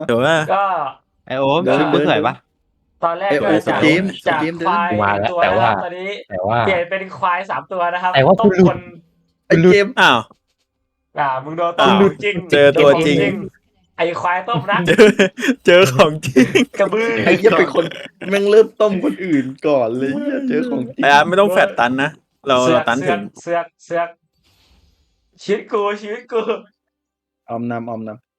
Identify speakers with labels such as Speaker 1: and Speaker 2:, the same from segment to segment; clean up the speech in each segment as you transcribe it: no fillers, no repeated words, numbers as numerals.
Speaker 1: เดี๋ยวว่า
Speaker 2: ก็
Speaker 3: ไอโอม
Speaker 2: ก็
Speaker 3: ชุดกูสวยปะ
Speaker 2: ตอนแรกก็
Speaker 1: ไอ้โอ้
Speaker 2: จาก
Speaker 1: สเกม
Speaker 2: จาก
Speaker 1: สเกมเดิ
Speaker 2: คน วาย
Speaker 4: กูมา
Speaker 2: หนึ่ง
Speaker 4: แล้ว
Speaker 2: ตัว
Speaker 4: แต่
Speaker 2: นะค
Speaker 4: ว่า
Speaker 2: รับตอนนี้
Speaker 4: แต่ว่า
Speaker 2: เปลี่ยนเป็นควาย3 ตัวนะครับ
Speaker 4: แต่ว่า
Speaker 2: ต้ม
Speaker 4: กูหลุด
Speaker 2: คน
Speaker 1: ไอ้เกมอ้าว
Speaker 2: มึงโดนต้ม
Speaker 1: อ้าว
Speaker 2: ของจริง
Speaker 1: เจอตัวจริง
Speaker 2: ไอ้ควายต้มนะ
Speaker 1: เจอของจริง
Speaker 2: กระบือ
Speaker 1: ไอ้เหี้ยเป็นคนแม่งเริ่มต้มคนอื่นก่อนเลยเหี้ยเจอของจริง
Speaker 3: ไอ้อาร์ตไม่ต้องแฟดตันนะ เรา
Speaker 2: เสือ
Speaker 3: เรา
Speaker 2: ก
Speaker 3: ตัน
Speaker 2: เสื
Speaker 3: ถึ
Speaker 2: อก
Speaker 3: ง
Speaker 2: เสือกเสือกชีวิตกู
Speaker 1: ออมนำ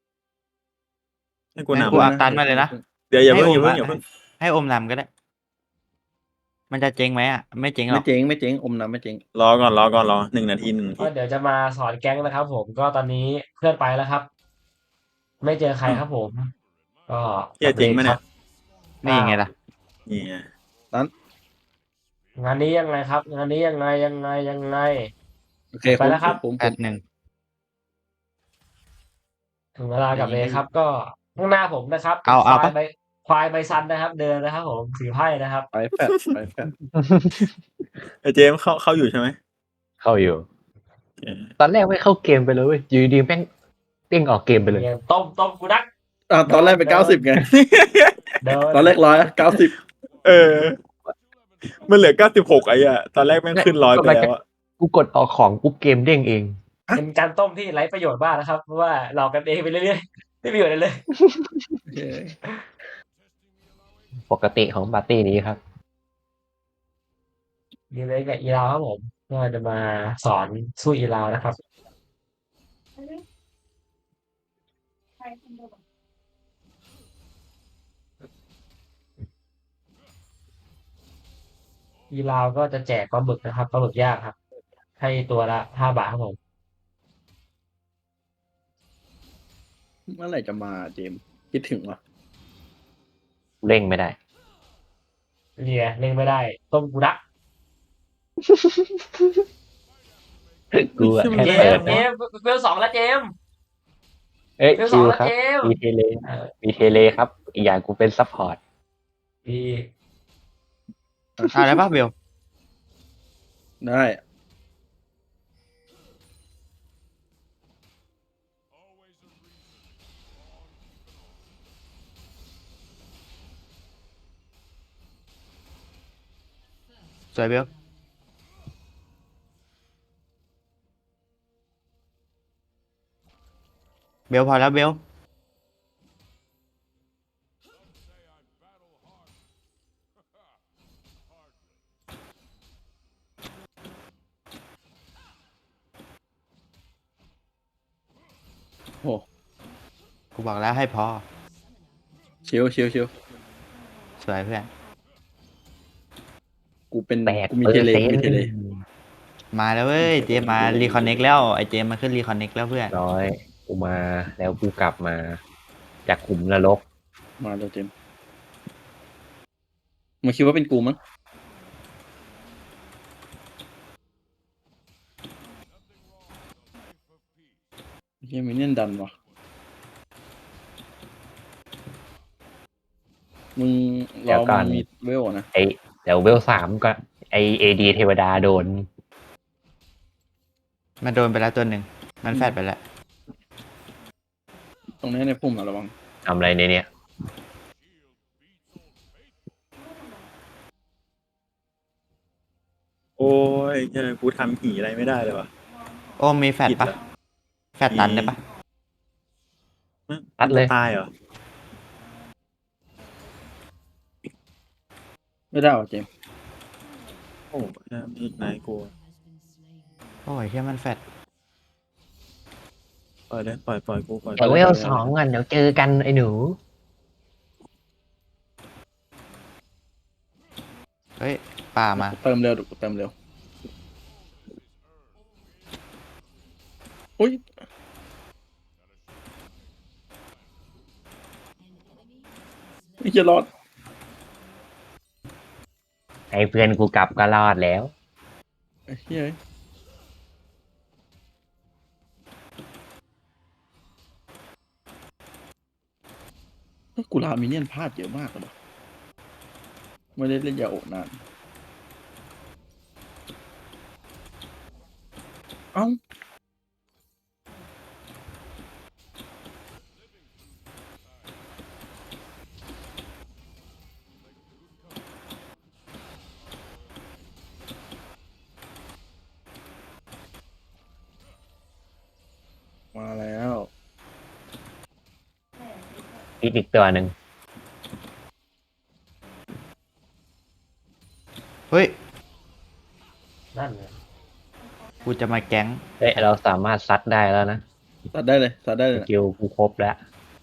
Speaker 3: ให้กูให้นำกูอัพตันมาเลยนะ
Speaker 1: เดี๋ยวอย่า
Speaker 3: ให้
Speaker 1: เพิ่ง
Speaker 3: โอ
Speaker 1: อย่าม เพิ่งอย่าเพิ่ง
Speaker 3: ให้โอมนำก็ได้ มันจะเจ๊งไหมอ่ะไม่เจ๊งหร
Speaker 1: ไม่
Speaker 3: อก
Speaker 1: เจ๊งไม่เจ๊งอมนำไม่เจ๊ง
Speaker 3: รอก่อนรอ1 นาที
Speaker 2: ก็เดี๋ยวจะมาสอนแก๊งนะครับผมก็ตอนนี้เพื่อนไปแล้วครับ ไม่เจอใครครับผม ก็
Speaker 3: เฮียจริงไหมเนี่ย
Speaker 2: นี่
Speaker 3: นี่ไงล่ะนี่ไง
Speaker 2: งานนี้ยังไงครับ งานนี้ยังไง
Speaker 1: โอเค
Speaker 2: ไปแล้วครับ
Speaker 1: ผม
Speaker 3: 8-1
Speaker 2: ถึงเวลากับเลยครับ ก็ข้างหน้าผมนะครับ
Speaker 3: เอา
Speaker 2: ควาย
Speaker 3: ปะ
Speaker 2: ใบควายใบซันนะครับ เดินนะครับผมถือไพ่นะครับ
Speaker 1: ไปแฟดไปแฟด
Speaker 3: ไอเจมส์เข้าอยู่ใช่ไหม
Speaker 4: เข้าอยู่
Speaker 3: โอเค
Speaker 4: ตอนแรกไม่เข้าเกมไปเลยเว้ยอยู่ดีๆแม่งเด้งออกเกมไปเลย
Speaker 2: ต้มกูนัก
Speaker 1: ตอนแรกเป็น90ไง
Speaker 2: เดิน
Speaker 1: ตอนแรก190
Speaker 3: เออ มันเหลือ96ไอ้อะตอนแรกแม่งขึ้น100ไปแล้วอะ
Speaker 4: กูกดออกของปุ๊บเกมเด้งเอง
Speaker 2: เป็นการต้มที่ไร้ประโยชน์มากนะครับเพราะว่าเรากันเองไปเรื่อยๆไม่มีประโยชน์อะไรเลย
Speaker 4: ปกติของปาร์ตี้นี้ครับ
Speaker 2: ดีเลยกับอีลาวครับผมก็จะมาสอนสู้อีลาวนะครับ อีลาวก็จะแจกปลาหมึกนะครับปลาหมึกย่างครับ ให้ตัวละ5 บาทครับผม
Speaker 1: เมื่อไหร่จะมาเจมส์คิดถึงวะ
Speaker 4: เร่งไม่ได้
Speaker 2: เนี่ยเล่นไม่ได้ ต้มกูนัก
Speaker 4: กูอะแค่
Speaker 2: เจ
Speaker 4: เปิ
Speaker 2: ม
Speaker 4: ด
Speaker 2: ส์เจ
Speaker 4: นะ
Speaker 2: มส์เวล2แล้วเจมส์
Speaker 4: เอ้ย
Speaker 2: เวล
Speaker 4: ชิว
Speaker 2: 2แล้ว
Speaker 4: ครับ
Speaker 2: เจมส์
Speaker 4: มีเทเล
Speaker 2: เออ
Speaker 4: มีเทเลครับ อีกอย่างกูเป็นซัพพอร์ต
Speaker 2: ดี
Speaker 3: อะไรปะเบล
Speaker 1: ได้
Speaker 3: สวยเบลเบลพอแล้วเบล
Speaker 1: โอ้
Speaker 3: กูบอกแล้วให้พอ
Speaker 1: ชิว
Speaker 3: สวยเพื่อน
Speaker 1: กูเป็น
Speaker 4: แตก
Speaker 1: กูมีเทเลกูมีเทเล
Speaker 3: มาแล้วเว้ยเจมส์มารีคอนเน็กแล้วไอเจมส์มาขึ้นรีคอนเน็กแล้วเพื่อน
Speaker 4: น้อยกูมาแล้วกูกลับมาจากขุมนรก
Speaker 1: มาแล้วเจมส์มันคิดว่าเป็นกูมั้งเฮียมินเนี่ยนดันวะมึงรอมันมีเวลนะ
Speaker 4: ไอเดี๋ยวเวล3ก็ไอเอดีเทวดาโดน
Speaker 3: มันโดนไปแล้วตัวหนึ่งมันแฟดไปแล้ว
Speaker 1: ตรงนี้ในพุ่มอะระวัง
Speaker 4: ทำอะไรในเนี้ย
Speaker 3: โอ้ยกูทำหีอะไรไม่ได้เลยวะ โอ้มีแฟดปะผิดละแฟดตันได้ปะ
Speaker 4: ตัดเลย
Speaker 3: ตายเหรอ
Speaker 1: ไม่ได้หรอเจมส์
Speaker 3: โอ้ยนายกูโอ้ยแค่มันแฟดปล่อยเลยปล่อยกูปล่อย
Speaker 4: เดี๋ยวเวล2กันเดี๋ยวเจอกันไอ้หนู
Speaker 3: เฮ้ยป่ามา
Speaker 1: เติมเร็วกูเติมเร็วอุ้ยไม่จะรอด
Speaker 4: ไอ้เพื่อนกูกลับก็รอดแล้ว
Speaker 1: ไอ้เฮ้ยกูลามิเนียนพลาดเยอะมากเลยไม่ได้เล่นยาโอะนาน เอ้า
Speaker 4: อีกตัวหนึ่ง
Speaker 3: เฮ้ย
Speaker 2: นั่นไง
Speaker 3: กูจะมาแก๊ง
Speaker 4: เอ้ยเราสามารถซัดได้แล้วนะ
Speaker 1: ตัดได้เลยตัดได้
Speaker 4: ส
Speaker 1: เลยนะ
Speaker 4: กิลกูครบแล้ว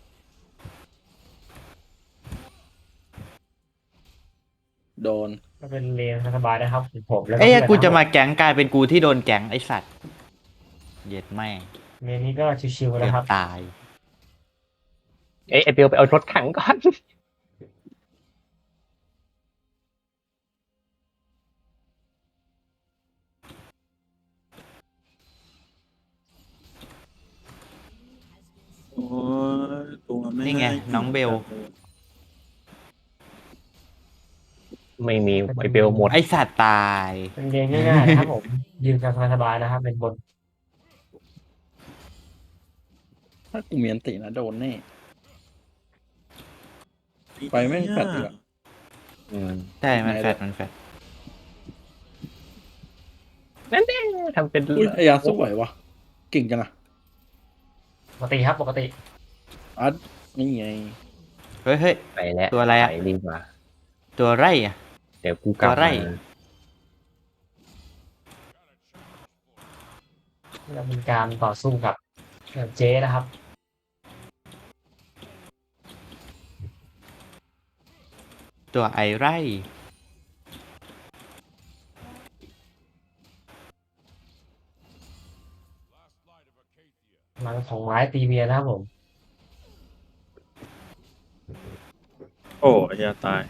Speaker 1: โดน
Speaker 2: ก็เป็นเลนสบายนะครับผมแล้วก็
Speaker 3: เอ้ย
Speaker 2: เพื่อน
Speaker 3: กูจะ
Speaker 2: น
Speaker 3: มาแก๊งกลายเป็นกูที่โดนแก๊งไอสัตว์เย็ดแม่ง
Speaker 2: เมนนี้ก็ชิวๆ
Speaker 3: เกื
Speaker 2: นะ
Speaker 3: อบ
Speaker 2: ครับ
Speaker 3: ตาย
Speaker 4: เอ้ยไอเปียวไปเอารถถังก่อน
Speaker 3: โอ้ยตัวไม่นี่ไงากิน้องเบล
Speaker 4: ไม่มีไอเปียวหมด
Speaker 3: ไอสัตว์ตาย
Speaker 2: เป็นเลนง่ายๆนะครับผมยืนกันสบายๆนะครับเป็นบน
Speaker 1: ถ้ากูมีอันตินะโดนแน่ ไปแม่งแฟดอีกอะ
Speaker 4: อืม
Speaker 3: ใช่มัน
Speaker 1: ไหน
Speaker 3: แฟ
Speaker 1: เลย
Speaker 3: ดมันแฟด
Speaker 4: นั่นเองทำเป็น
Speaker 1: อุ้ยไอ้ยาสู้ไหววะเก่งจังอะ
Speaker 2: ปกติครับปกติ
Speaker 1: อัดนี่ไง
Speaker 3: เฮ้ยเฮ้ย
Speaker 4: ไปแล้ว
Speaker 3: ตัวอะไรอะ
Speaker 4: ปดีกว่า
Speaker 3: ตัวไรอ่ะ
Speaker 4: เดี๋ยวกูกลับ
Speaker 3: ตัวไร่
Speaker 4: มา
Speaker 2: จะเป็นการต่อสู้กับเจ๊นะครับ
Speaker 3: ตัวไอไร
Speaker 2: พลังของไม้ตีเมียนะครับผม
Speaker 3: โอ้ยตาย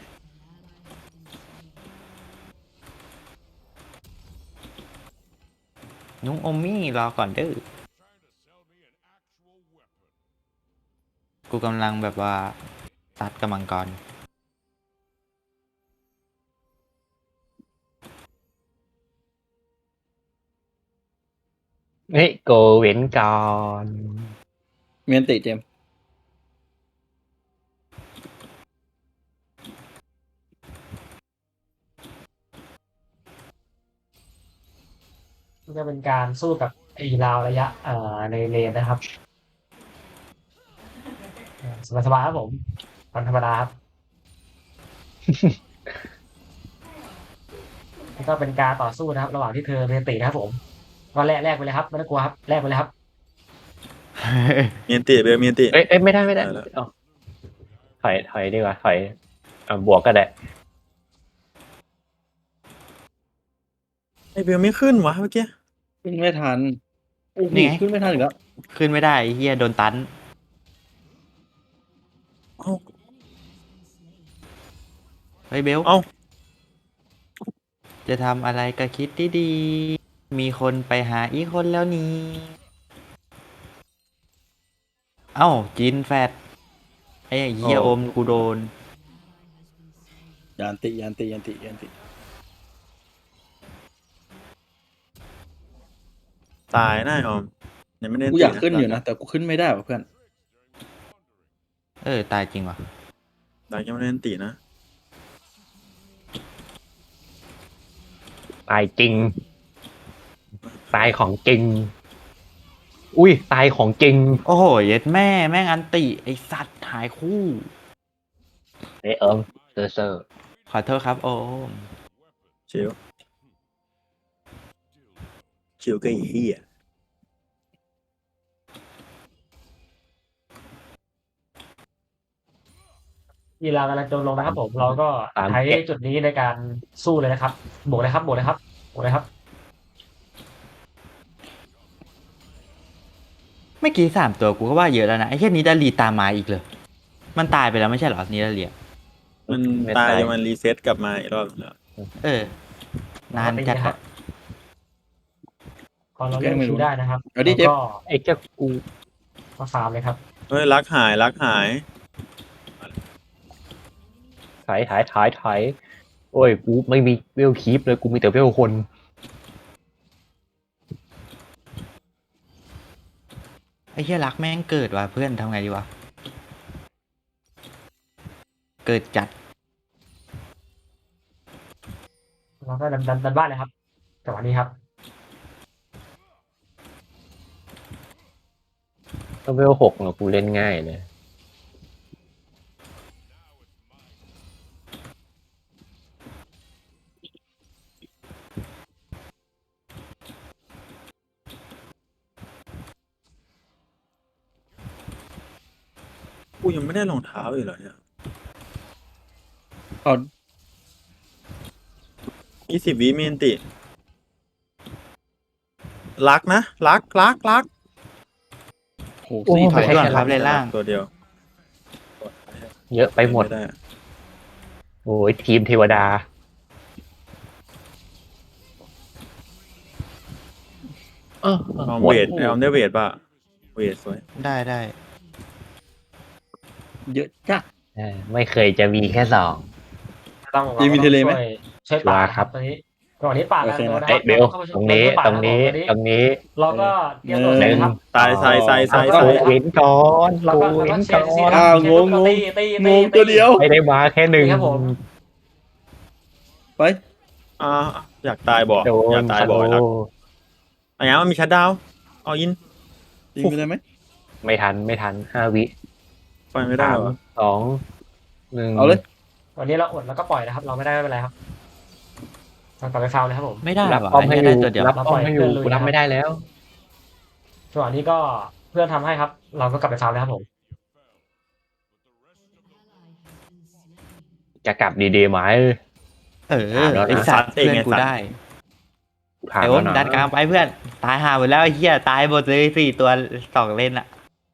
Speaker 3: นุ้งอมมี่รอก่อนเด้อกูกำลังแบบว่าตัดกำลังกร
Speaker 4: เฮ้ยโกเว้นก่อน
Speaker 1: มีอันติเจมส์
Speaker 2: ก็เป็นการสู้กับไอ้ราวระยะในเลนนะครับสบายๆครับผมวันธรรมดาครับแล้วก็เป็นการต่อสู้นะครับ ระหว่างที่เธอเรียนตีนะครับผมก็แลกไปเลยครับไม่ต้องกลัวครับแลกไปเลยครับ
Speaker 3: มีอันติเบลมีอันติ
Speaker 4: เอ้ยไม่ได้
Speaker 3: ได้แล้ว
Speaker 4: เอาถอยดีกว่าถอยบวกก็ได้
Speaker 3: ไอเบลไม่ขึ้นวะเมื่อกี้
Speaker 1: ขึ้นไม่ทันโอ้โห
Speaker 3: นี่ไง
Speaker 1: ขึ้นไม่ทันอีกแล้ว
Speaker 3: ขึ้นไม่ได้ไอ้เฮียโดนตันเอ้าเฮ้ยเบลเอ้าจะทำอะไรก็คิดดีๆมีคนไปหาอีกคนแล้วนี่ เอ้าจินแฟดไอ้เฮีย
Speaker 4: โอ้
Speaker 3: อมกูโดน
Speaker 1: ยานติยานติยานติยานติ
Speaker 3: ตายแน่ออมยังไม่ได้
Speaker 1: กูอยากขึ้นอยู่นะ แต่กูขึ้นไม่ได้ว่ะเพื่อน
Speaker 3: ตายจริงว่ะตายยังไม่ได้อันตินะ
Speaker 4: ตายจริง ตายของจริง อุ้ยตายของจริง
Speaker 3: โอ้โหเย็ดแม่แม่งอันติไอสัตว์หายคู่
Speaker 4: เอ้ยเซอร์
Speaker 3: ขอโทษครับโอมชิวชิวก็อีเหี้ย
Speaker 2: ยีรากำลังโจมลงนะครับผมเราก็ใช้จุดนี้ในการสู้เลยนะครับบวกเลยครับบวกเลยครับบวกเลยครับ
Speaker 3: เมื่อกี้3 ตัวกูก็ว่าเยอะแล้วนะไอ้แค่นี้ดาลีตามมาอีกเลย มันตายไปแล้วไม่ใช่เหรอนิดาเลีย
Speaker 5: มันตายมันรีเซ็ตกลับมาอีกรอบแล้ว
Speaker 3: นานจัดอะ
Speaker 2: พอเราเล่นคิวได้นะครับ
Speaker 1: เอาดิเจฟ
Speaker 2: ก็
Speaker 4: ไอ้เจ้ากู
Speaker 2: มาฟาร์มเลยครับ
Speaker 5: เฮ้ยรักหายรักหาย
Speaker 4: ถอยโอ้ยกูไม่มีเวลคีปเลยกูมีแต่เวลคน
Speaker 3: ไอ้เหี้ยรักแม่งเกิดว่ะเพื่อนทำไงดีวะ เกิดจัด
Speaker 2: เราก็ดันบ้านเลยครับจังหวะนี้ครับ
Speaker 4: ถ้าเวล6เนาะกูเล่นง่ายเลย
Speaker 5: ยังไม่ได้รองเท้าอยู่เหรอเนี่ย
Speaker 1: เอา
Speaker 5: 20 วิมีอันติรักนะรัก
Speaker 1: โห
Speaker 4: โอ้
Speaker 1: สี่
Speaker 3: ถอย
Speaker 1: ตัว
Speaker 3: ก่อนครับเลนล่าง
Speaker 5: ตัวเดียว
Speaker 4: เยอะไปหมด
Speaker 5: ได้
Speaker 4: โอ้ยทีมเทวดา เออ
Speaker 5: ลอง
Speaker 4: หมด
Speaker 5: เวทเอาได้เวทป่ะเวทสวย
Speaker 3: ได้
Speaker 1: เยอะจ้ะ
Speaker 4: ไม่เคยจะมีแค่สอง
Speaker 2: ต้อง
Speaker 1: มีวินเทเลไหม
Speaker 2: ช่วยป่าครับตอนนี้ก่อนนี้ป่าแล้ว
Speaker 1: โอเคนะ
Speaker 2: นะค
Speaker 4: เอ้
Speaker 2: รั
Speaker 4: ยเบล
Speaker 2: ข้าไป
Speaker 4: ตรงนี้
Speaker 2: ช่วยป่า
Speaker 4: ตรงนี้
Speaker 2: ครับผม
Speaker 4: ตรงนี้
Speaker 2: เราก็เตรียมตัวเสร็จนะครับ
Speaker 5: ตายใส่
Speaker 2: เอา
Speaker 4: กูเว้นก่อน
Speaker 2: เรา
Speaker 4: กู
Speaker 2: ก็
Speaker 4: เว้น
Speaker 2: เชีย
Speaker 4: ก่อ
Speaker 2: ร์ซี
Speaker 4: น
Speaker 2: ครับ
Speaker 1: อ้าว
Speaker 2: เชียร์
Speaker 1: งง
Speaker 2: ตี
Speaker 1: งงตัวเดียว
Speaker 4: ไม่ได้มาแค่หนึ่ง
Speaker 2: นี่ครับผม
Speaker 1: ไป
Speaker 5: อ่าอยากตายบ่
Speaker 4: โด
Speaker 5: อยาน กตายบ่อยรักอะไรเงี้ยมันมีชัดดาวน์เอายิน
Speaker 1: ยิงไปได้ไหม
Speaker 4: ไม่ทัน5 วิ
Speaker 5: ไปไม่ได้
Speaker 4: สาม
Speaker 5: วะ
Speaker 4: 2 1
Speaker 1: เอาเลย
Speaker 2: วันนี้เราอดแล้วก็ปล่อยนะครับ เราไม่ได้ไม่เป็นไรครับเรากลับไปฟาวเลยครับผม
Speaker 3: ไม่ได้
Speaker 4: รับ
Speaker 3: ว่ะ
Speaker 4: ป้อมให้
Speaker 3: ไอ้
Speaker 4: อ
Speaker 3: เหี้ย
Speaker 4: ยู่
Speaker 3: ได้ตัวเดียว
Speaker 4: รับป้อมให้อยู่
Speaker 2: เราปล่อย
Speaker 4: กูรับไม่ได้แล้ว
Speaker 2: จังหวะนี้ก็เพื่อนทำให้ครับ เราก็กลับไปฟาวเลยครับผม
Speaker 4: จะกลับดีๆไหม
Speaker 3: เออไอสัตว์เพื่อนกูได้
Speaker 4: ถาม
Speaker 3: ไอ้โอ
Speaker 4: แล้ว
Speaker 3: ม
Speaker 4: นะ
Speaker 3: ดันกลางไปเพื่อน ตายห่าหมดแล้วไอ้เหี้ยตายหมดเลย4 ตัว2 เลนอะ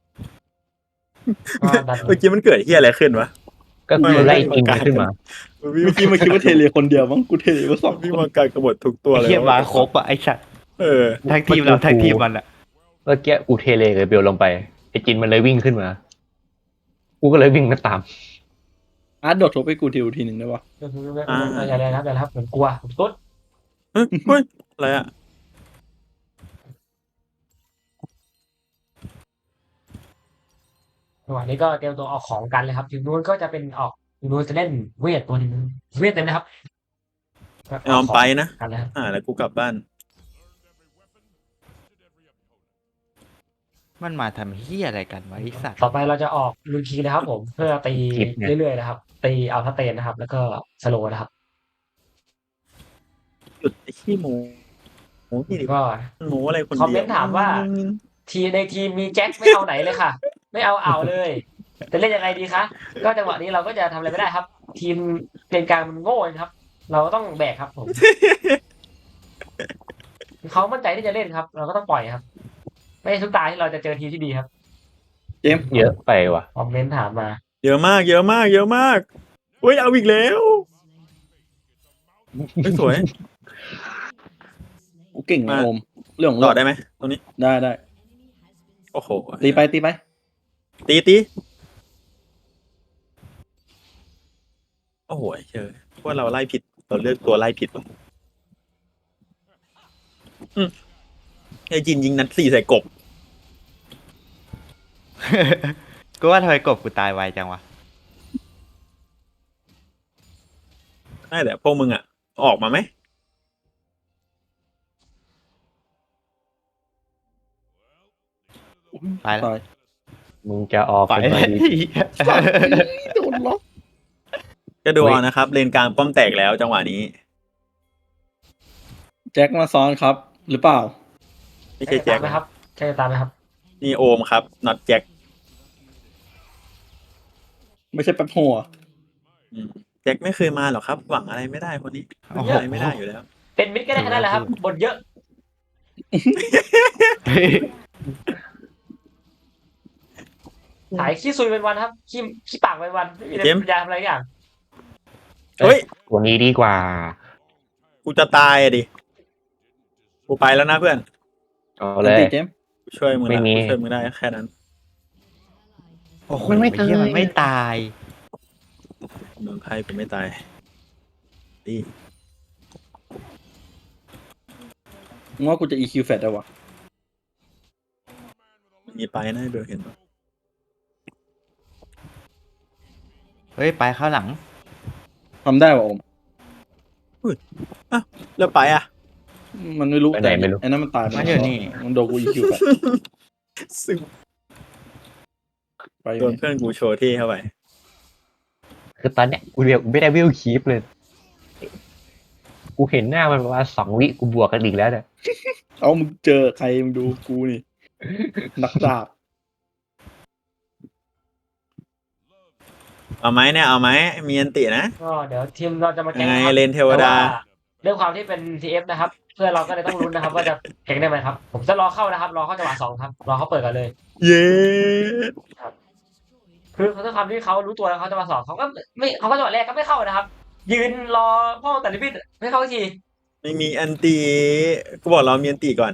Speaker 2: ก็ดัน
Speaker 5: เมื่อกี้มันเกิดเฮียอะไรขึ้นวะ
Speaker 4: ก็คือไล่ยิงมันขึ้นมา
Speaker 5: วิ่ง
Speaker 1: เมื่อกี้มาคิดว่าเทเลคนเดียวมั้งกูเทเลมาสอง
Speaker 5: วิ่ง
Speaker 1: คน
Speaker 5: มาการกระบฏทุกตัว
Speaker 3: ไอ้
Speaker 5: เลย
Speaker 3: เหี้ยมาครบอะไอ้สัตว์
Speaker 5: เออ
Speaker 3: ทั้งทีมเราทั้งทีมมันอะ
Speaker 4: เมื่อกี้กูเทเลกับเบลลงไปไอ้จินมันเลยวิ่งขึ้นมา กูก็เลยวิ่งมาตาม
Speaker 1: อาร์ตโดดทบไปกูทีหนึ่งได้ปะ
Speaker 2: อย่าเลยครับอย่าเลยครับผมกลัวผมตุ๊ด
Speaker 5: เฮ้ยอะไรอะ
Speaker 2: จังหวะนี้ก็เตรียมตัวออกของกันเลยครับทีมนู้นก็จะเป็นออกทีมนู้นจะเล่นเวทตัวหนึงเวทเต็มนะครับ
Speaker 5: ยอมไปนะ
Speaker 2: กันเลยครับ
Speaker 5: แล้วกูกลับบ้าน
Speaker 3: มันมาทำเหี้ยอะไรกันวะไอ้สัตว์
Speaker 2: ต่อไปเราจะออกลูคีนะครับผมเพื่อตี
Speaker 4: คลิปเนี่ย
Speaker 2: เรื่อยๆนะครับ ตีอัลฟาเตนนะครับ แล้วก็สโลว์นะครับ
Speaker 5: หยุดไอ้ขี้โมโอ้ยดิ
Speaker 2: ก็
Speaker 5: โมอะไรคนเดียว
Speaker 2: คอมเมนต์ถามว่า ทีในทีมมีแจ็คไม่เอาไหนเลยค่ะ ไม่เอาเลยจะเล่นยังไงดีคะก็จังหวะนี้เราก็จะทำอะไรไม่ได้ครับ ทีมเลนกลางมันโง่นะครับ เราก็ต้องแบกครับผมเขามั่นใจที่จะเล่นครับ เราก็ต้องปล่อยครับ ไม่ใช่ทุกตาที่เราจะเจอทีมที่ดีครับ
Speaker 1: เจมส์
Speaker 4: เยอะไปว่ะ
Speaker 2: คอมเมนต์ถามมา
Speaker 5: เยอะมากเฮ้ยเอาอีกแล้วเฮ้ยสวย
Speaker 1: กูเก่งนะโอมเรื่องของ
Speaker 5: ต่อ
Speaker 1: เรา
Speaker 5: ได้ไหมตรงนี้
Speaker 1: ได้
Speaker 5: โอ้โห
Speaker 1: ตีไป
Speaker 5: ตีโอ้โหเชื่อว่าเราไล่ผิดเราเลือกตัวไล่ผิดว่ะไอ้จินยิงนัด4ใส่กบ
Speaker 3: กูว่าทำไมกบกูตายไวจังวะ
Speaker 5: ได้แต่พวกมึงอ่ะ ออกมาไหม
Speaker 3: ตายแล้ว
Speaker 1: ตาย
Speaker 4: มึงจะออก
Speaker 3: ไป
Speaker 4: เป็นมาดี
Speaker 1: โดนล็อก
Speaker 5: ก็ดูเอานะครับ เลนกลางป้อมแตกแล้วจังหวะนี้
Speaker 1: แจ็คมาซ้อนครับ หรือเปล่า
Speaker 5: ไม่ใช่แจ็ค
Speaker 2: ไหมครับใช่ตามไหมครับ
Speaker 5: นี่โอมครับน็อตแจ็ค
Speaker 1: ไม่ใช่แป๊บหัว
Speaker 5: แจ็คไม่เคยมาหรอกครับ หวังอะไรไม่ได้คนนี้
Speaker 3: โอ้โห
Speaker 5: อะไรไม่ได้อยู่แล้ว
Speaker 2: เป็นมิดก็ได้แค่นั้นแหละครับบทเยอะ ขายขี้ซุยเป็นวันครับขี้ปากเป็นวันไม่มี
Speaker 5: เจมส์
Speaker 2: ปัญญาทำอะไรอย่าง
Speaker 5: เฮ้ย
Speaker 4: ตัวนี้ดีกว่า
Speaker 5: กูจะตายอะดิ กูไปแล้วนะเพื่อน
Speaker 4: เอาเลย
Speaker 1: ตีเจมส์
Speaker 5: กูช่วยมึง
Speaker 4: ไม่
Speaker 5: ละ
Speaker 4: มี
Speaker 5: กูช่วยมึงได้แค่นั้น
Speaker 3: โอ้โห
Speaker 4: มันไม่ตาย
Speaker 3: เหี้ยมันไม่ตาย
Speaker 5: เมืองไทยกูไม่ตายดี
Speaker 1: มึงว่ากูจะ EQ แฟดได้วะ
Speaker 5: มีไปนะเบลเห็นปะ
Speaker 3: เฮ้ยไปเข้าหลัง
Speaker 1: ทำได้ป่ะโอม
Speaker 5: แล้วไปอ่ะ
Speaker 1: มันไม่รู้
Speaker 4: ไปไหนไม่รู้
Speaker 1: ไอ้นั่นมันตายไป
Speaker 3: มันอยู่นี่
Speaker 1: มันโดนกู EQ แฟด
Speaker 5: ซึ่ง
Speaker 1: ไป
Speaker 5: โดนเพื่อนกูโชว์ที่เข้าไป
Speaker 4: คือตอนเนี้ยกูเรียกไม่ได้วิวคีปเลย กูเห็นหน้ามันประมาณ2 วิกูบวกกันอีกแล้วเนี่ย
Speaker 1: เอามึงเจอใครมึงดูกูนี่ นักดาบ
Speaker 5: เอาไหมเนี่ยเอาไหมมีอันตินะ
Speaker 2: ก็เดี๋ยวทีมเราจะมา
Speaker 5: ยั
Speaker 2: แก๊ง
Speaker 5: งไง
Speaker 2: นะครับ
Speaker 5: เลนเทวดา
Speaker 2: แต่ด้วยความที่เป็น TF นะครับ เพื่อนเราก็เลยต้องลุ้นนะครับ ว่าจะแก๊งได้ไหมครับ ผมจะรอเข้านะครับ รอเข้าจังหวะสองครับ รอเขาเปิดกันเลย
Speaker 5: เย้
Speaker 2: คือด้วยความที่เขารู้ตัวแล้วเขาจะมาสองเขาก็ไม่เขาก็จังหวะแรกก็ไม่เข้านะครับ ยืนรอพ่อแต่ลิบิดไม่เข้าสักที
Speaker 5: ไม่มีอันติกูบอกเรามีอันติก่อน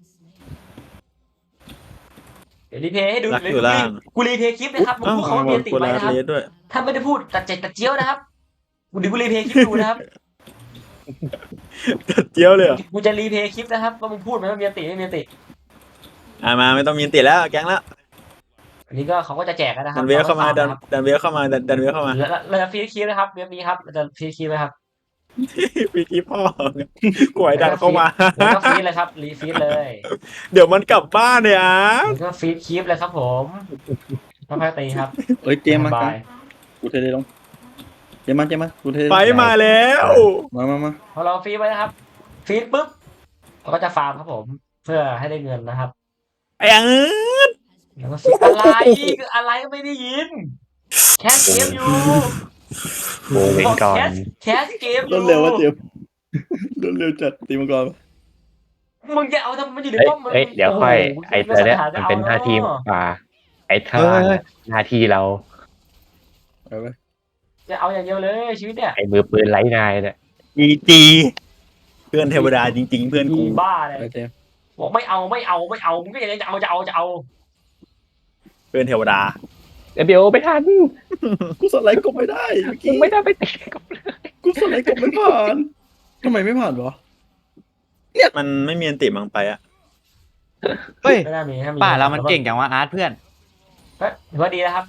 Speaker 2: เดี๋ยวรีเพย์ให้ดู
Speaker 5: รักอยู่ล่าง
Speaker 2: กูรีเพย์คลิปนะครับมึงพูดเขาว่ามีอันติ
Speaker 5: กู
Speaker 2: ไหม
Speaker 5: ลา
Speaker 2: นะครับ
Speaker 5: เลสด้วย
Speaker 2: ถ้าไม่ได้พูดตัดเจ็ดตัดเจี้ยวนะครับกูรีเพย์คลิปดูนะครับ
Speaker 5: ตัดเจียวเลยเหรอ
Speaker 2: กูจะรีเพย์คลิปนะครับว่ามึงพูดไหมว่ามีอันติไม่มีอันติ
Speaker 5: มาไม่ต้องมีอันติแล้วแก๊งแล้ว
Speaker 2: อันนี้ก็เขาก็จะแจกกันนะครั
Speaker 5: ดั
Speaker 2: บ
Speaker 5: นเวลเข้ามาดัน
Speaker 2: นะครับ
Speaker 5: ดันเวลเข้ามาดันเวลเข้ามา
Speaker 2: เราจะฟรีคลิปนะครับเว็บนี้ครับเราจะฟรีคลิปนะครับ
Speaker 5: ปีที่พ่อ กวยดันเข้ามา
Speaker 2: แล้วก็ฟรีดเลยครับรีฟีดเลย
Speaker 5: เดี๋ยวมันกลับบ้านเนี่ยอ่ะ
Speaker 2: แล้วก็ฟีดคลิปเลยครับผมค่อยๆตีครับ
Speaker 1: เอ้ยเจมส์มา
Speaker 2: บาย
Speaker 1: กูเทเลยลงเจมส์มากูเทเลย
Speaker 5: ไปมาแล้ว
Speaker 1: มา
Speaker 2: พอเราฟีดไว้นะครับฟีดปุ๊บเราก็จะฟาร์มครับผม เพื่อให้ได้เงินนะครับ
Speaker 5: ไอ้อัง
Speaker 2: แล้วก็ฟีดอะไรอะไรก็ไม่ได้ยินแคสเกมอยู่
Speaker 4: โมเว้นก่อน
Speaker 2: แคสเกมอ
Speaker 1: รว
Speaker 2: ยู่
Speaker 1: ดเร็วว่าเจมส์รวดเร็วจัดตีมังกร
Speaker 2: มึงจะเอาทำไมมันอยู่ใน
Speaker 4: เอ้ย
Speaker 2: ป้อมมึง
Speaker 4: เอ้ยเดี๋ยวค่อย
Speaker 2: โโห
Speaker 4: ไอ้ตัวเนี้ย
Speaker 2: จะ
Speaker 4: มัน
Speaker 2: อา
Speaker 4: เป็นหน้าที่
Speaker 2: เอะ
Speaker 4: ป่าไอ้ท่าหน้าที่เรา
Speaker 1: ไปไป
Speaker 2: จะเอาอย่างเดียวเลยชีวิตเนี่ย
Speaker 4: ไอ้มือปืนไร้นายเนี่ย
Speaker 5: จีจีเพื่อนเทวดาจริง ๆ เพื่อนกู
Speaker 2: บ้าเลย
Speaker 1: ไปเจมส์
Speaker 2: บอกไม่เอามึงก็ยังจะเอา
Speaker 5: เพื่อนเทวดา
Speaker 4: เดี๋ยวไม่ทัน
Speaker 1: กูสไลด์กบไม่ได้เมื่อ
Speaker 4: กู
Speaker 1: กี้
Speaker 4: ไม่ได้ไปเตะกับ
Speaker 1: กูสไลด์กบไม่ผ่านทำไมไม่ผ่านวะ
Speaker 5: มันไม่มีอันติมังไปอ่ะ
Speaker 3: เฮ้ย
Speaker 2: ไม่น่ามีถ้ามี
Speaker 3: ป่าเรามันเก่งจังวะอาร์ตเพื่อน
Speaker 2: ก็ถือว่าดีนะครับ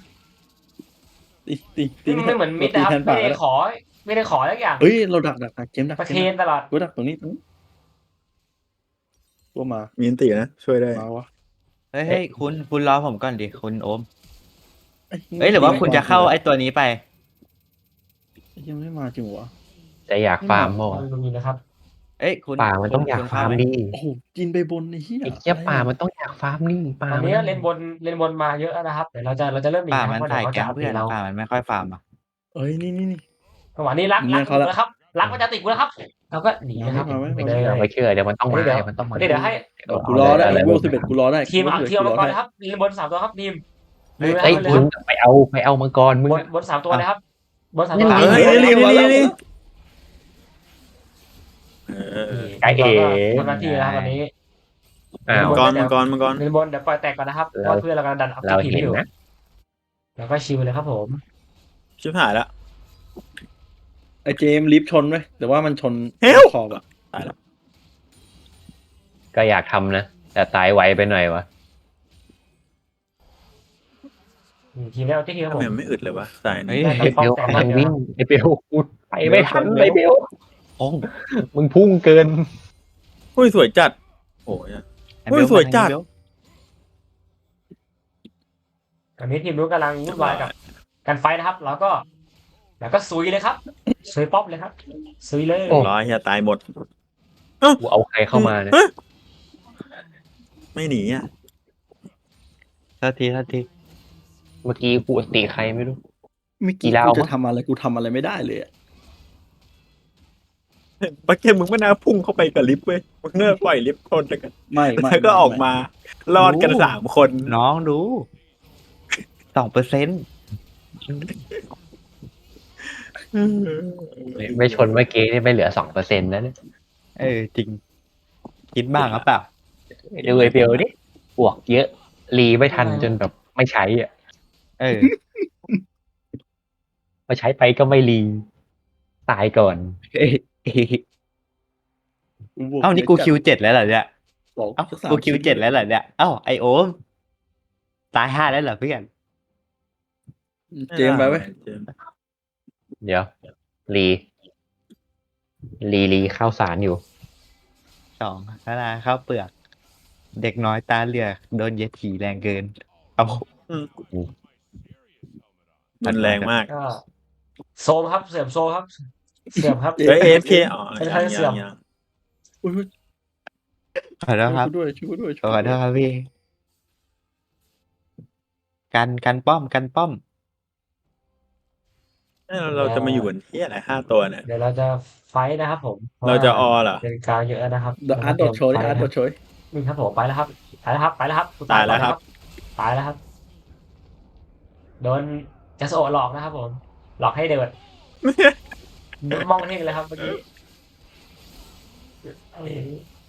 Speaker 1: ตี
Speaker 2: ไม่เหมือนมิดนะครับ
Speaker 1: แทน
Speaker 2: ไม่
Speaker 1: ป่า
Speaker 2: ได้
Speaker 1: แล้ว
Speaker 2: ขอทุกอย่าง
Speaker 1: เฮ้ยเราดักเจมส์ดัก
Speaker 2: ประ
Speaker 1: เจ
Speaker 2: เคน
Speaker 1: มส์
Speaker 2: ตลอด
Speaker 1: กูดักตรงนี้ตัวมา
Speaker 5: มีอันตินะ ช่วยได้
Speaker 1: มาวะ
Speaker 3: เฮ้ยคุณรอผมก่อนดิคุณโอมเฮ้ยหรือว่าคุณจะเข้าไอ้ตัวนี้ไป
Speaker 1: ยังไม่มาจริงวะ
Speaker 4: จะอยากฟาร์มโม
Speaker 2: ตรงนี้นะครับ
Speaker 3: เอ้ยคุณ
Speaker 4: ป่ามันต้องอยาก
Speaker 3: คุณ
Speaker 4: ฟาร์ม
Speaker 3: เข้ไห
Speaker 4: ดิ
Speaker 1: โอ้โหกินไปบนไอ้เหี้ย
Speaker 4: ไอ้เจี๊ยป่ามันต้องอยากฟาร์มนี่ป่า
Speaker 2: ตอน
Speaker 4: มั
Speaker 2: นี้เล่นบนมาเยอะนะครับเดี๋ยวเราจะเริ่มหนี
Speaker 3: ป่า
Speaker 2: นะ
Speaker 3: มัน
Speaker 2: เพราะ
Speaker 3: ถ่าย
Speaker 2: เดี๋ยวเขา
Speaker 3: แก๊
Speaker 2: จะ
Speaker 3: ง
Speaker 2: เอาตีเรา
Speaker 3: เพื่อนป่ามันไม่ค่อยฟาร์มอ่ะ
Speaker 1: เอ้ยนี่
Speaker 2: จังหวะนี้รัก
Speaker 1: เนี่ยเขาละ
Speaker 2: นะครับรักมันจะติดกูแล้วครับเราก็หนีนะครับ
Speaker 1: มาไม่
Speaker 2: ไป
Speaker 1: มา
Speaker 2: เลย
Speaker 4: ไม่เชื่อเดี๋ยวมันต้องมา
Speaker 2: เดี๋ยว
Speaker 4: เดี๋ยวมันต้องมา
Speaker 2: เดี๋ยวให้
Speaker 1: กูรอได้เลเวล11กูรอได้
Speaker 2: ทีมเอา
Speaker 1: กู
Speaker 2: ทีมเอามังกร
Speaker 1: ได้
Speaker 2: นะครับเล่นบน3ตัวครับทีม
Speaker 3: เฮ้ย
Speaker 4: เฮ้ย
Speaker 2: เลย
Speaker 4: คุ
Speaker 2: ค
Speaker 4: ณ
Speaker 2: รับ
Speaker 4: ไปเอามังกรมึง
Speaker 2: บน3ตัวเลยครับบน3ตัว
Speaker 3: เฮ้ย
Speaker 5: นี่
Speaker 4: ไก่เอ๋
Speaker 2: ทำหน้าที่แล้วครับตอนนี้
Speaker 4: อ้าว
Speaker 5: มังกร
Speaker 2: เล่นบนเดี๋ยวปล่อยแตกก่อนนะครับเพ
Speaker 4: เรา
Speaker 2: ราะเพื่อนเรากำลังดันอัพ
Speaker 4: เรา
Speaker 2: ทีม
Speaker 4: เห็น
Speaker 2: อยู่
Speaker 4: นะ
Speaker 2: แล้วก็ชิลเลยครับผม
Speaker 5: ชิบหายแล้ว
Speaker 1: ไอ้เจมส์ลิฟต์ชนไหมแต่ว่ามันชน
Speaker 5: เฮ้ย
Speaker 1: ขอบอะ
Speaker 4: ก็อยากทำนะแต่ตายไวไปหน่อยวะ
Speaker 2: ทีมได้เอาที่ทีมครับ
Speaker 5: ทำ
Speaker 2: ผ
Speaker 5: ไม
Speaker 2: ม
Speaker 5: มันไม่อึดเลยวะสาย
Speaker 3: เฮ้ย
Speaker 5: นี้
Speaker 4: ไอเบลกำลังวิ่งไอเบลกูไปไม่ทันไอเบล
Speaker 3: โอ้
Speaker 4: มึงพุ่งเกิน
Speaker 5: อุ้ยสวยจัด โอ้ย
Speaker 3: ไอ้เบล
Speaker 5: เฮ้ยสวยจัด
Speaker 3: ไอ้เบล
Speaker 2: ตอนนี้ทีมนู้นกำลังวุ่นวายกับการไฟนะครับ แล้วก็ซุยเลยครับซุยป๊อปเลยครับซุยเลย
Speaker 4: โอ้
Speaker 5: ร้อยเฮียตายหมด
Speaker 4: กูเอาใครเข้ามาเนี่ย
Speaker 5: ไม่หนีอ่ะ
Speaker 3: ทันที
Speaker 4: เมื่อกี้กูอติใครไม่รู้
Speaker 1: เมื่อ
Speaker 4: กี่
Speaker 1: กี้
Speaker 4: ดาว
Speaker 1: กูจะทำอะไรกูทำอะไรไม่ได้เลยอะ
Speaker 5: ปักเกมมึงไม่น่าพุ่งเข้าไปกับลิฟต์เว้ยมึงเน่าปล่อยลิฟต์คนแล้วกัน
Speaker 1: ไม่
Speaker 5: แล้วก็ออกมา รอดกัน3 คน
Speaker 3: น้องดู2%
Speaker 4: ไม่ชนเมื่อกี้นี่ไม่เหลือ2%แล้วเนี่ย
Speaker 3: จริง คิดบ้างหรือเปล่า
Speaker 4: ดูไอเบลดิบวกเยอะรีไม่ทันจนแบบไม่ใช้อ่ะ
Speaker 3: เออ
Speaker 4: พอใช้ไปก็ไม่รีตายก่อน
Speaker 1: บว
Speaker 3: เอ้านี่กูคิว7แล้วเหรอเนี่ย
Speaker 1: สอง
Speaker 3: เอ้า
Speaker 1: สัสาม
Speaker 3: กูคิว7แล้วเหรอเนี่ยเอ้าไอโอมตาย5แล้วเหรอเพื่อน
Speaker 1: เจมส์ไปไว้ย
Speaker 4: เดี๋ยวรีข้าวสารอยู่
Speaker 3: 2แล้วนะข้าวเปลือก เด็กน้อยตาเหลือกโดนเย็ดถีแรงเกิน เอา
Speaker 5: มันแรงมาก
Speaker 2: ก็โซมครับเสื่อมโซมครับ เสื่อมครับ
Speaker 5: เฮ้ย AFK อ๋อ
Speaker 2: เป็นใครเสื่อม
Speaker 5: ยัง
Speaker 1: อุ๊ย
Speaker 3: ขอโทษครับ
Speaker 1: ช่วยกูด้วย
Speaker 3: ขอโทษครับพี่ กันป้อม
Speaker 5: เราจะมาอยู่บนที่อะไร5 ตัวเนี่ย
Speaker 2: เดี๋ยวเราจะไฟท์นะครับผม
Speaker 5: เราจะออเหรอ
Speaker 2: เป็นกลางเยอะนะครับ
Speaker 1: อาร์ตโดดโชยอาร์ตโดดโชย
Speaker 2: นี่ครับผมไปแล้วครับไปแล้วครับไปแล้วครับกู
Speaker 5: ตายแล้วครับ
Speaker 2: ตายแล้วครับโดนจัสโอะหลอกนะครับผมหลอกให้เดินมองเท่งเลยครับเมื่อกี้เอ้ย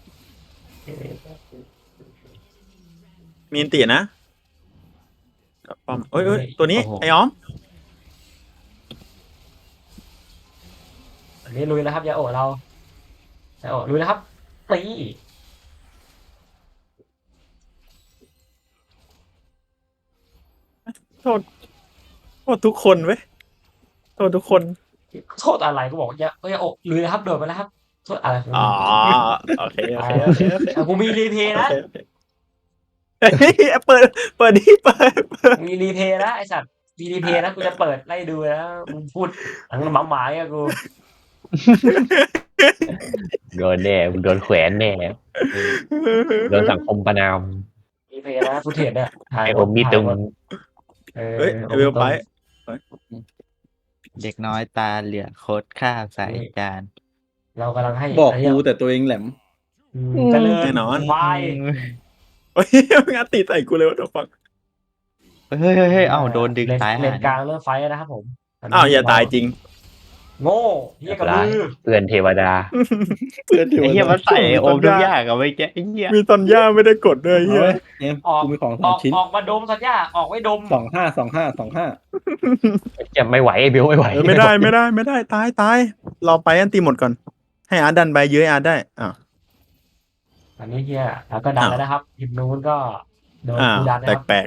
Speaker 5: มีอันตีนะกับป้อมเอ้ยตัวนี้ไอ้อ้อม
Speaker 2: อันนี้ลุยแล้วครับยาโอะเรายาโอะลุยแล้วครับตี
Speaker 5: โทษทุกคนเว้ยโทษทุกคน
Speaker 2: โทษอะไรก็บอกยาโอะลุยแล้วครับโดดไปแล้วครับโทษอะไรของ
Speaker 5: อ๋อ
Speaker 2: มึง
Speaker 5: โอเคโอเคโอเคโอเค
Speaker 2: อ่ะกูมีรีเพย์นะ
Speaker 5: เฮ้ยเปิดดิเปิด
Speaker 2: มีรีเพย์นะไอสัตว์มีรีเพย์นะกูจะเปิดไล่ดูนะมึงพูดหลังหมาหมาๆอะกู
Speaker 4: โดนแน่มึงโดนแขวนแน่โดนสังคมประนาม
Speaker 2: รีเพย์นะฟุตเทจเนี่ยถ่าย
Speaker 4: ไอ้ผมมีตึง
Speaker 5: เฮ้ยไอ้เวลไป
Speaker 3: เด็กน้อยตาเหลือกโคตรข้าวใส่จาน
Speaker 2: เรากำลังให้
Speaker 1: บอก
Speaker 2: นนี้
Speaker 1: กูแต่ตัวเองแหลม
Speaker 2: เจริญ
Speaker 5: แน่นอน
Speaker 2: ควาย
Speaker 5: เฮ้ยมึงอัดตีใส่กูเลยว่าตัวฟัง
Speaker 3: เฮ้ยเอ้าโดนดึงตาย
Speaker 2: เล
Speaker 3: หาน
Speaker 2: กลางเริ่มไฟท์แล้วนะครับผมนนี้
Speaker 5: อ้าวอย่าตายจริง
Speaker 2: โง่เฮียกับมือ
Speaker 4: เพื่อนเทวดา
Speaker 1: เพื่อนที่
Speaker 3: ไอ้เหี้ยมันใส่โอมทุกอย่างอะไม่แกไอ้เหี้ย
Speaker 5: มีตอนย่าไม่ได้กดด้วย
Speaker 1: เฮ้
Speaker 5: เฮีย
Speaker 1: ยเอ็ม
Speaker 2: ออก
Speaker 1: กูมีของส
Speaker 2: อ
Speaker 1: อ
Speaker 2: อง ก
Speaker 1: ชิ้น
Speaker 2: ออกมาดมสัญญาออกไว้ดม
Speaker 1: 25
Speaker 4: จะไม่ไหวไอ้เบลไม่ไหว
Speaker 5: ไม่ได้ตายรอไปอันตีหมดก่อน ให้อาร์ตดันไปเยอะอาร์ตได้อ้าว
Speaker 2: อันนี้เฮียแล้วก็ดันแล้วนะครับทีมนู้นก็โดน
Speaker 5: อ้าว
Speaker 2: กูดันนะครับ
Speaker 5: แปลก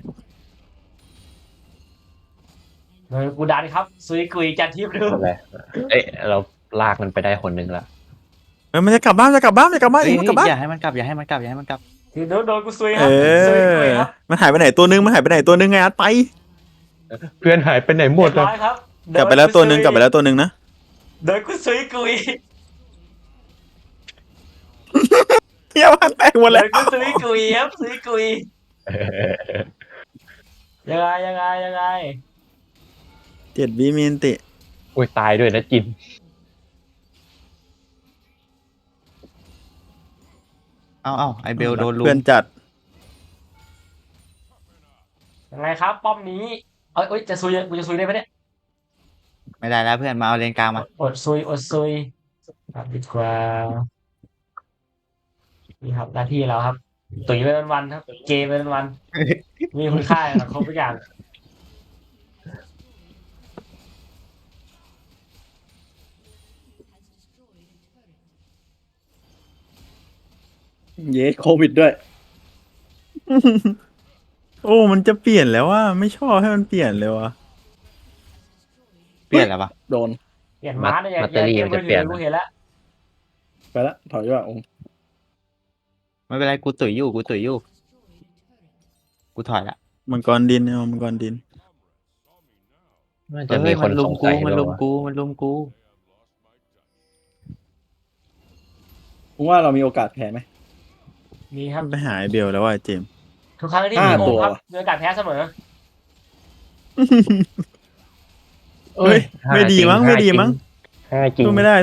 Speaker 2: โดนกูดันครับซุยกุยจันทิพย์ดู
Speaker 4: อะไรเอ้ยเราลากมันไปได้คนนึงละ
Speaker 5: ๆมันจะกลับบ้านจะกลับบ้าน
Speaker 3: เฮ้ย
Speaker 5: กลับบ้าน
Speaker 3: อย่าให้มันกลับอย่าให้มันกลับอย่าให้มันกลับ
Speaker 2: ทีมนู้นโดนกูซุยค
Speaker 5: เอ
Speaker 2: รับซุยกุย
Speaker 5: อ
Speaker 2: ครับ
Speaker 5: มันหายไปไหนตัวนึงไงอาร์ตไป
Speaker 4: เพื่อนหายไปไหนหมด
Speaker 2: เรีย
Speaker 4: อะ
Speaker 2: บร้อยครับ
Speaker 5: กลับไปแล้วตัวนึงนะ
Speaker 2: โดนกูซุยกุย
Speaker 5: เฮียบ้านแตกหมด
Speaker 2: โด
Speaker 5: แล้ว
Speaker 2: นกูซุยกุยครับซุยกุยยังไง
Speaker 5: 7 วิมีอันติ
Speaker 4: โอ้ยตายด้วยนะจิน
Speaker 3: เอ้าไอเบลโดนลุ
Speaker 5: เพื่อน
Speaker 3: ม
Speaker 5: จัด
Speaker 2: ยังไงครับป้อมนี้เอ้ยจะซุยกูจะซุยได้ไหมเนี่ย
Speaker 3: ไม่ได้แล้วเพื่อนมาเอาเลนกลางมา
Speaker 2: อดซุยครับดีกว่านี่ครับหน้าที่เราครับตุ๋ยไปวันๆครับ เกมไปวันๆมีคุณค่าในสังคมทุกอย่าง
Speaker 1: เยสโควิดด้วย
Speaker 5: โอ้มันจะเปลี่ยนแล้วว่าไม่ชอบให้มันเปลี่ยนเลยว่ะ
Speaker 3: เปลี่ยนแล้วปะ
Speaker 1: โดน
Speaker 2: เปลี่ยนม้าเนี่ย
Speaker 4: แบตเตอรี่
Speaker 2: เกม
Speaker 4: มัน
Speaker 2: มื
Speaker 4: จะ
Speaker 2: อ
Speaker 4: เปลี่
Speaker 2: ถื
Speaker 4: ยน
Speaker 2: อกูเห็นแล้ว
Speaker 1: ไปละถอยว่าองค์
Speaker 3: ไม่เป็นไรกูตุ๋ยอยู่กูถอยละ
Speaker 5: มังกรดินเอามังกรดิน
Speaker 4: น่าจะมีคน
Speaker 3: ลุ
Speaker 4: ส
Speaker 3: ม
Speaker 4: ง
Speaker 3: กู
Speaker 4: สัย
Speaker 3: มัน
Speaker 4: ด้วย
Speaker 3: ลุม
Speaker 4: วะ
Speaker 3: กูมันลุมกู
Speaker 1: มึงว่าเรามีโอกาสแพ้ไหม
Speaker 2: มีครับ
Speaker 5: ไปหาไอ้เบลแล้วว่าเจมส์
Speaker 2: ทุกครั้งที่มี
Speaker 1: ห้า
Speaker 2: โอ
Speaker 1: ตัว
Speaker 2: ครับมีโอกาสแพ้เสมอ
Speaker 5: เฮ้ยไม่ดีมั้ง
Speaker 4: ห้าจริง
Speaker 5: สู้ไม่ได้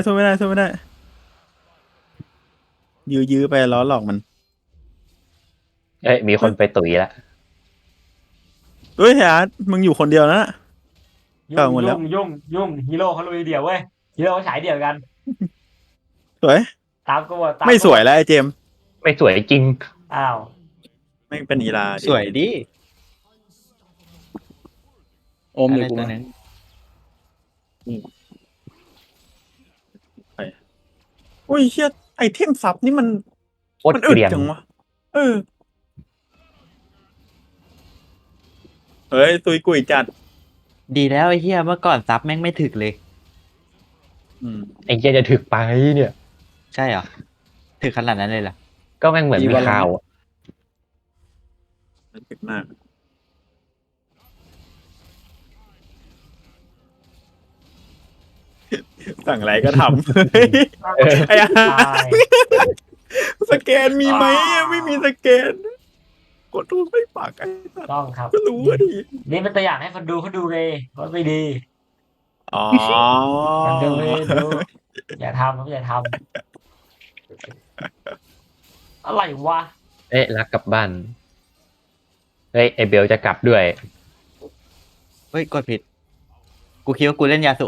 Speaker 5: ยื้อไปล้อหลอกมัน
Speaker 4: เอ้ยมีคนไปตุ๋ยละ
Speaker 5: เฮ้ยอาร์ตมึงอยู่คนเดียวนะ เก่าหมดแล้ว
Speaker 2: ยุ่งฮีโร่เขาลุยเดี่ยวเว้ยฮีโร่เขาฉายเดี่ยวกัน
Speaker 5: สวย
Speaker 2: ตามกูหมดตา
Speaker 5: ไม่สวยแล้วไอ้เจมส์
Speaker 4: ไม่สวยจริง
Speaker 2: อ้าว
Speaker 5: ไม่งเป็นอีลา
Speaker 3: สวยดิ
Speaker 1: โอม
Speaker 3: อะ
Speaker 1: เดี๋
Speaker 3: ไร
Speaker 1: ยวกู
Speaker 3: ตัว
Speaker 1: มา
Speaker 3: นึง
Speaker 5: อุ้ยเชี่ยไอเทมซับนี่มัน
Speaker 4: โคตร
Speaker 5: มัน
Speaker 4: เก
Speaker 5: อึด
Speaker 4: ลียน
Speaker 5: จังวะเฮ้ยตุยกุยจัด
Speaker 3: ดีแล้วไอ้เหี้ยเมื่อก่อนซับแม่งไม่ถึกเลย
Speaker 4: ไอ้เหี้ยจะถึกไปเนี่ย
Speaker 3: ใช่เหรอถึกขนาดนั้นเลยเหรอ
Speaker 4: ก็แม่งเหมือนมีข่าวอะ
Speaker 5: ถึกมากสั่งอะไรก็ทำไอ้อา
Speaker 2: ตาย
Speaker 5: สแกนมีไหมไม่มีสแกน กดรูปไม่ปากไอ้สัส
Speaker 2: ต้องครับ
Speaker 5: ก็รู้ว่าดี
Speaker 2: นี่เป็นตัวอย่างให้คนดูเขาดูเลยว่าไม่ดี
Speaker 5: อ๋อ
Speaker 2: มันก็ไม่ดูอย่าทำครับอย่าทำอะไรวะ
Speaker 4: เอ๊ะรักกลับบ้านเฮ้ยไอเบลจะกลับด้วย
Speaker 3: เฮ้ยกดผิด กูคิดว่ากูเล่นยาสุโอะ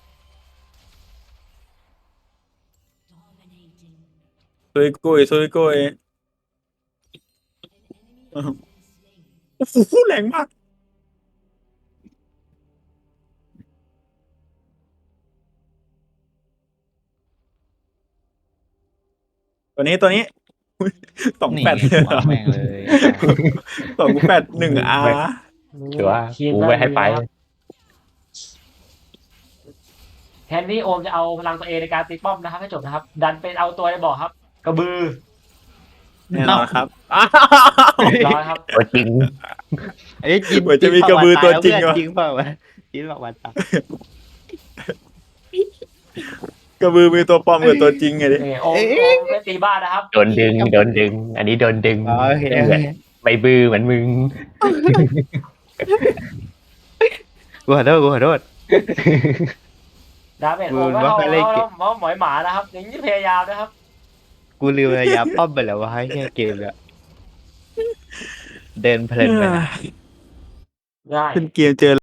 Speaker 5: ซุยกุยซุยกุยโอ้โหแรงมาก ตัวนี้อุ๊ยสอง
Speaker 3: นี่
Speaker 5: แปด
Speaker 3: วางแม่งเลย
Speaker 5: 281 R
Speaker 4: ถือว่า
Speaker 2: ทีม
Speaker 4: กูไม่ให้ไป
Speaker 2: นะครับแทนที่โอมจะเอาพลังตัวเองในการตีป้อมนะครับให้จบนะครับ ดันเป็นเอาตัวในบ่อครับ กระบือ
Speaker 5: แน่นอนครับ
Speaker 2: เรียบร้อยครับ
Speaker 4: ตัวจริง
Speaker 3: เอ้ยจิน
Speaker 5: เหมือนจะมีกระบือตัวจริง
Speaker 3: เหร
Speaker 5: วะ
Speaker 3: จริงเปล่าวะจินบอกว่าตาย
Speaker 5: กระบือมีตัวปลอมกับตัวจริงไงดิ
Speaker 2: นี่โอมไม่ตีบ้านนะครับ
Speaker 4: โดนดึง อันนี้โดนดึง
Speaker 3: อ๋อโอเคโอ
Speaker 4: เหมือน
Speaker 3: เค
Speaker 4: ใบบือเหมือนมึง
Speaker 3: กูขอโทษกูขอโทษ
Speaker 2: ดาเมจโอมก็
Speaker 3: ว่า
Speaker 2: เท่า
Speaker 3: ไปเล่นเกม
Speaker 2: หมอยหมานะครับ อย่างนี้พยายามนะครับ
Speaker 3: กูลืมระยะป้อมไปแล้วว่าให้แค่เกมแล้วเดินเพลินไปนะ
Speaker 2: ง่าย
Speaker 5: เป็นเกมเจอ